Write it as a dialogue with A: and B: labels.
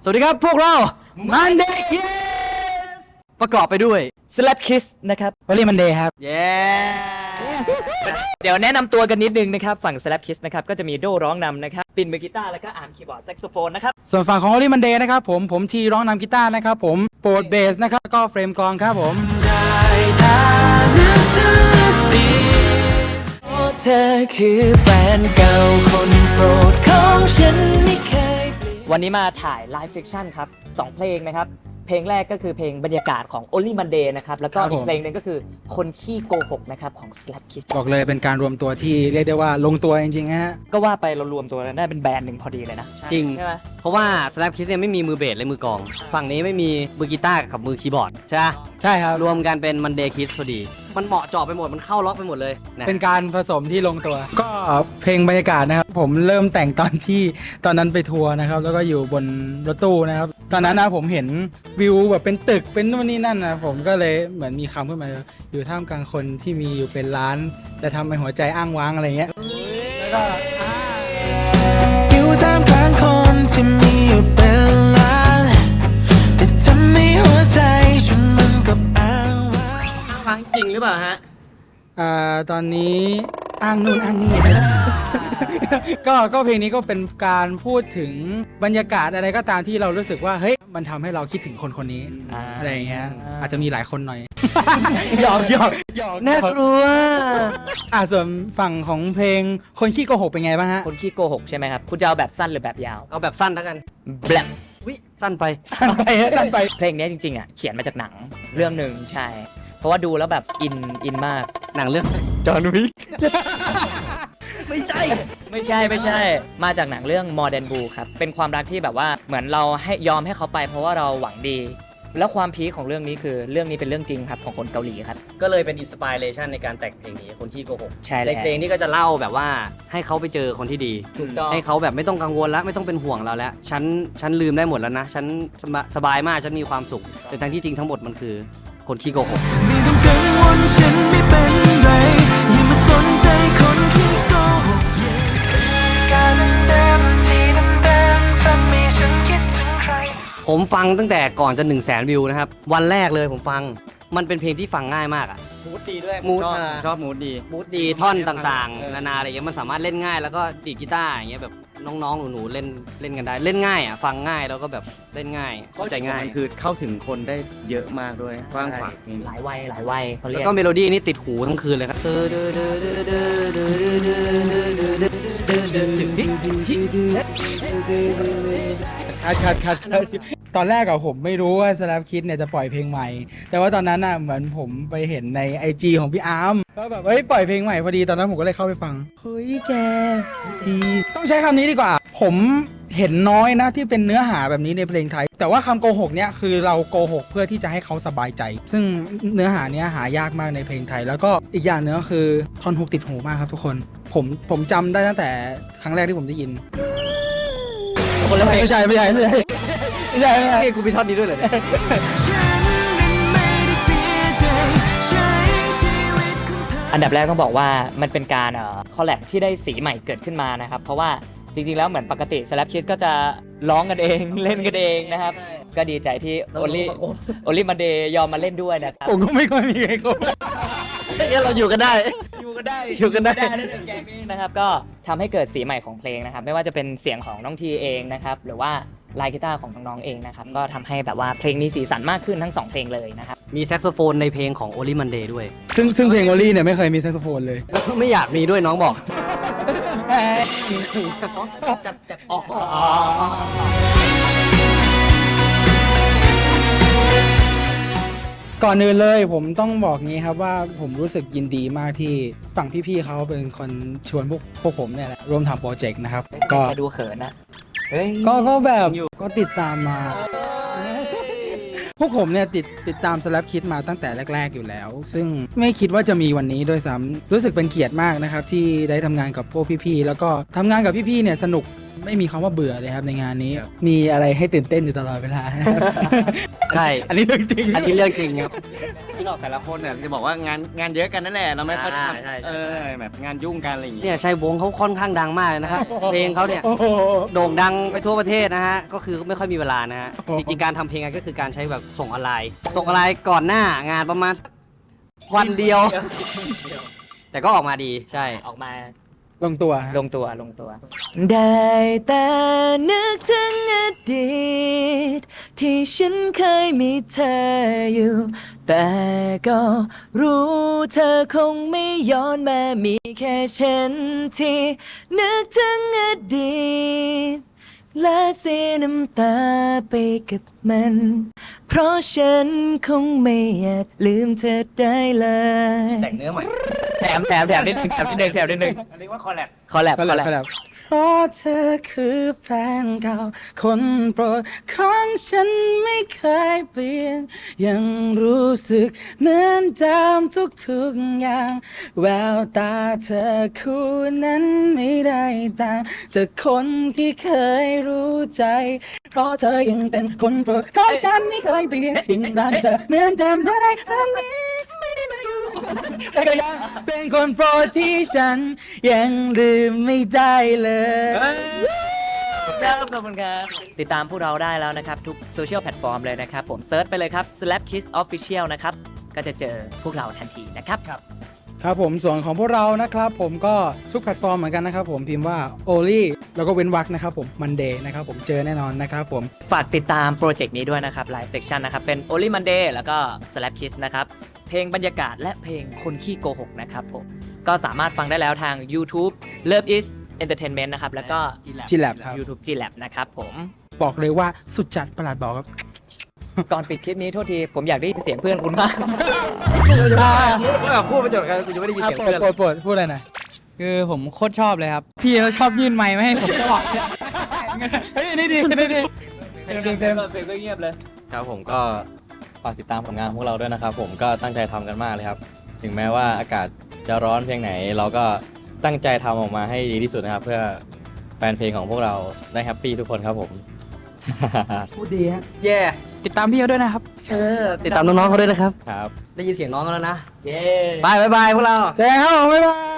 A: สวัสดีครับพวกเรา Monday Kiss ประกอบไปด้วย
B: Slap Kiss นะครับ
C: Only Monday ครับ
A: เย้
B: เดี๋ยวแนะนำตัวกันนิดนึงนะครับฝั่ง Slap Kiss นะครับก็จะมีโดร้องนำนะครับปินมือกีตาร์แล้วก็อาร์มคีย์บอร์ดแซกโซโฟนนะครับ
C: ส่วนฝั่งของ Only Monday นะครับผมทีร้องนำกีตาร์นะครับผมโปรดเบสนะครับก็เฟรมกลองครับผม
D: เธอคือแฟนเก่าคนโปรดของฉันไม่เคยเปลี่ยน
B: วันนี้มาถ่ายไลฟ์ฟิกชั่นครับ2เพลงนะครับเพลงแรกก็คือเพลงบรรยากาศของ Only Monday นะครับแล้วก็อีกเพลงหนึงก็คือคนขี้โกหกนะครับของ Slap Kiss
C: บอกเลยเป็นการรวมตัวที่เรียกได้ว่าลงตัวจริงๆฮะ
B: ก็ว่าไปเรารวมตัวกันได้เป็นแบรนด์หนึ่งพอดีเลยนะ
A: จริง
B: ใช่ไหม
A: เพราะว่า Slap Kiss เนี่ยไม่มีมือเบสและมือกลอง ฝั่งนี้ไม่มีมือกีตาร์กับมือคีย์บอร์ดใช่ไหม
C: ใช่ครับ
A: รวมกันเป็น Monday Kiss พอดี มันเหมาะเจาะไปหมดมันเข้าล็อกไปหมดเลยนะ
C: เป็นการผสมที่ลงตัว ก็เพลงบรรยากาศนะครับผมเริ่มแต่งตอนนั้นไปทัวร์นะครับแล้วก็อยู่บนรถตู้นะครับตอนนั้นนะผมเห็นวิวแบบเป็นตึกเป็นนู่นนี่นั่นนะผมก็เลยเหมือนมีคำขึ้นมาอยู่ท่ามกลางคนที่มีอยู่เป็นล้านแต่ทำให้หัวใจอ้างว้างอะไรเงี้ยแล้วก็
D: อยู่ท่ามกลางคนที่มีอยู่เป็นล้านแต่ทำให้หัวใจฉันมันกับอ้างว้าง
A: ฟังจริงหรือเปล่าฮะ
C: ตอนนี้อ้างนู่นอ้างนี่ ก็เพลงนี้ก็เป็นการพูดถึงบรรยากาศอะไรก็ตามที่เรารู้สึกว่าเฮ้ยมันทำให้เราคิดถึงคนคนนี้อะไรอย่างเงี้ยอาจจะมีหลายคนหน่อย หยอก
A: น่ากลัว
C: ส่วนฝั่งของเพลงคนขี้โกหกเป็นไงบ้างฮะ
B: คนขี้โกหกใช่ไหมครับคุณจะเอาแบบสั้นหรือแบบยาว
A: เอาแบบสั้นแล้วกัน
B: แบบ
A: วิสั้นไป
C: สั้นไป
B: เพลงนี้จริงๆอ่ะเขียนมาจากหนังเรื่องหนึ่งใช่ เพราะว่าดูแล้วแบบอินมาก
A: หนังเรื่อง
B: จอห์นวิก
A: ไม่ใช่
B: ไม่ใช่ มาจากหนังเรื่อง Modern Blue ครับ เป็นความรักที่แบบว่าเหมือนเราให้ยอมให้เขาไปเพราะว่าเราหวังดี แล้วความพีคของเรื่องนี้คือเรื่องนี้เป็นเรื่องจริงครับของคนเกาหลีครับ
A: ก็เลยเป็นอินสปิเรชันในการแต่งเพลงนี้คนที่โกหก
B: ใช่แล้ว
A: ในเพลงนี้ก็จะเล่าแบบว่าให้เขาไปเจอคนที่ดี
B: ถูกต้อง
A: ให้เขาแบบไม่ต้องกังวลแล้วไม่ต้องเป็นห่วงเราแล้วฉันลืมได้หมดแล้วนะฉันสบายมากฉันมีความสุขแต่ทั้งที่จริงทั้งหมดมันคือคนขี้โกหก
D: ไม่ต้องกังวลฉันไม่เป็นไรอย่ามาสนใจคนที่โกหกการเดิมที่เดิมทำให้ฉันคิดถึงใคร
A: ผมฟังตั้งแต่ก่อนจะ100,000 วิวนะครับวันแรกเลยผมฟังมันเป็นเพลงที่ฟังง่ายมากอะ
E: มูดดีด้วย
A: มูด
E: ชอบมูดดี
A: มูดดีท่อนต่างๆนานาอะไรเงี้ยมันสามารถเล่นง่ายแล้วก็ดีดกีตาร์อย่างเงี้ยแบบน้องๆหนูๆเล่นกันได้เล่นง่ายอ่ะฟังง่ายแล้วก็แบบเล่นง่ายเข้าใจง่าย
E: มันคือเข้าถึงคนได้เยอะมากด้วยกว้างขวางเพลง
B: หลายวัยเขาเรี
A: แล้
B: ยว ก
A: ก็เมโลดี้นี่ติดหูทั้งคืนเลยครับ
C: คัดตอนแรกอะผมไม่รู้ว่า Slap Kids เนี่ยจะปล่อยเพลงใหม่ แต่ว่าตอนนั้นอะเหมือนผมไปเห็นใน IG ของพี่อาร์มก็แบบเฮ้ยปล่อยเพลงใหม่พอดีตอนนั้นผมก็เลยเข้าไปฟังเฮ้ยแกดีต้องใช้คำนี้ดีกว่า ผมเห็นน้อยนะที่เป็นเนื้อหาแบบนี้ในเพลงไทย แต่ว่าคำโกหกเนี่ยคือเราโกหกเพื่อที่จะให้เขาสบายใจ ซึ่งเนื้อหาเนี้ยหายากมากในเพลงไทย แล้วก็อีกอย่างเนื้อคือท่อนฮุกติดหูมากครับทุกคนผมจำได้ตั้งแต่ครั้งแรกที่ผมได้ยิน
A: คนละเพลง
C: ไม่ใช่
A: เฮ้ยกูมีท่อนนี้ด้วยเหรอเนี่ย
D: ฉันนั้นไม่ได้เสียใจใช้ชีวิตของเธอ
B: อันดับแรกต้องบอกว่ามันเป็นการคอลแลบที่ได้สีใหม่เกิดขึ้นมานะครับเพราะว่าจริงๆแล้วเหมือนปกติ Slap Kiss ก็จะร้องกันเอง เล่นกันเองนะครับก็ดีใจที่ Only Monday ยอมมาเล่นด้วยนะครับ
C: ผมก็ไม่ค่อยมีใครคบ
A: เนี่ยเราอยู่กันได้
B: อยู่กันได้
A: อยู่กันได้
B: ในแกงนี้นะครับก็ทำให้เกิดสีใหม่ของเพลงนะครับไม่ว่าจะเป็นเสียงของน้องทีเองนะครับหรือว่าลายกีตาร์ของน้องๆเองนะครับก็ทำให้แบบว่าเพลงมีสีสันมากขึ้นทั้ง2เพลงเลยนะครับ
A: มีแซกโซโฟนในเพลงของ Only Monday ด้วย
C: ซึ่งเพลงวอลลี่เนี่ยไม่เคยมีแซกโซโฟนเลย
A: แล้วก็ไม่อยากมีด้วยน้องบอก
C: ใช่
B: จัด
C: ก่อนอื่นเลยผมต้องบอกงี้ครับว่าผมรู้สึกยินดีมากที่ฝั่งพี่ๆเขาเป็นคนชวนพวกผมเนี่ยแหละร่วมทำโปรเจกต์นะครับก็
B: จะดูเขินนะเฮ้ย
C: ก็แบบก็ติดตามมา พวกผมเนี่ยติดตาม Slap Kids มาตั้งแต่แรกๆอยู่แล้ว ซึ่งไม่คิดว่าจะมีวันนี้ด้วยซ้ำรู้สึกเป็นเกียรติมากนะครับที่ได้ทำงานกับพวกพี่ๆแล้วก็ทำงานกับพี่ๆเนี่ยสนุกไม่มีคำว่าเบื่อเลยครับในงานนี้ มีอะไรให้ตื่นเต้นอยู่ตลอดเวลา
A: ใช่
C: อันนี้เรื่องจริง
A: อันนี้เรื่องจริงครับ
E: ที่เราแต่ละคนเนี่ยจะบอกว่างานเยอะกันนั่นแหละเราไม่ค่อย
A: ใช่
E: ทำ
A: ใช่
E: แบบงานยุ่งกันอะไรอย่างเงี้ย
A: เนี่ยชัยวงศ์เขาค่อนข้างดังมากเลยนะครับ เพลงเขาเนี่ย
C: โอ้โห
A: โด่งดังไปทั่วประเทศนะฮะ ก็คือไม่ค่อยมีเวลานะฮะ จริงๆ การทำเพลงก็คือการใช้แบบส่งออนไลน์ ส่งออนไลน์ก่อนหน้างานประมาณวันเดียว แต่ก็ออกมาดี ใช่
B: ออกมา
C: ลงตัว
B: ลงตัวลงตัว ได้แต่นึกถึงอดีตที่ฉันเคยมีเธออยู่ แต่ก็รู้เธอคงไม่ย้อนมามีแค่ฉันที่นึกถึงอดีตและเสียน้ำตาไปกับมัน เพราะฉันคงไม่อาจลืมเธอได้เลย
A: แต่งเนื้อใหม่
B: แถมนิดนึงแถมนิดนึงแถมนิดนึง
E: เรียกว่าคอลแลบ
B: คอลแลบ
C: ก็แล้วเพราะเธอคือแฟนเก่า คนโปรดของฉันไม่เคยเปลี่ยน ยังรู้สึกเหมือนเดิมทุกๆอย่าง แววตาเธอคู่นั้นไม่ได้ต่างจากคนที่เคยรู้ใจ เพราะเธอยังเป็นคนโปรดของฉันไม่เคยเปลี่ยนยิ่งรักเธอเหมือนเดิมเท่าไรครั้งนี้ไม่ได้มาอยู่แต่ก็ยังเป็นคนโปรดที่ฉันยังลืมไม่ได้เลย
B: ครับขอบคุณครับติดตามพวกเราได้แล้วนะครับ ทุกโซเชียลแพลตฟอร์มเลยนะครับ ผมเซิร์ชไปเลยครับ Slap Kiss Official นะครับ ก็จะเจอพวกเราทันทีนะครับ
C: ครับผมส่วนของพวกเรานะครับผมก็ทุกแพลตฟอร์มเหมือนกันนะครับผมพิมพ์ว่า Only แล้วก็เว้นวรรคนะครับผม Monday นะครับผมเจอแน่นอนนะครับผม
B: ฝากติดตามโปรเจกต์นี้ด้วยนะครับ Live Section นะครับ เป็น Only Monday แล้วก็ Slap Kiss นะครับ เพลงบรรยากาศและเพลงคนขี้โกหกนะครับผม ก็สามารถฟังได้แล้วทาง YouTube Love is Entertainment นะครับ แล้วก็
C: G-Lab ครับ
B: YouTube G-Lab นะครับผม
C: บอกเลยว่าสุดจัดประหลาดบอกครับ
B: ก่อนปิดคลิปนี้โทษที ผมอยากได้ยินเสียงเพื่อนคุณมาก
A: พูดไปจนกันกูจะไม่ได้ยินเสียงเพื่อน
C: โปรดพูดอะไรหน่อย
F: คือผมโคตรชอบเลยครับ พี่เขาชอบยื่นไมค์มาให้ผมตลอด
C: เฮ้ยนี่ดีนี่ดี
B: เพลงก็เงียบเลย
G: ครับผมก็ฝากติดตามผลงานพวกเราด้วยนะครับผมก็ตั้งใจทำกันมากเลยครับ ถึงแม้ว่าอากาศจะร้อนเพียงไหน เราก็ตั้งใจทำออกมาให้ดีที่สุดนะครับ เพื่อแฟนเพลงของพวกเราได้แฮปปี้ทุกคนครับผม
C: พูดดีฮะ
A: แย่
F: ติดตามพี่เขาด้วยนะครับ
A: ติดตามน้องๆเขาด้วยนะครับ
G: ครับ
A: ได้ยินเสียงน้องเขาแล้วนะ
B: เย้
A: บายบายพวกเรา
C: เจอกันครับผมบ๊ายบาย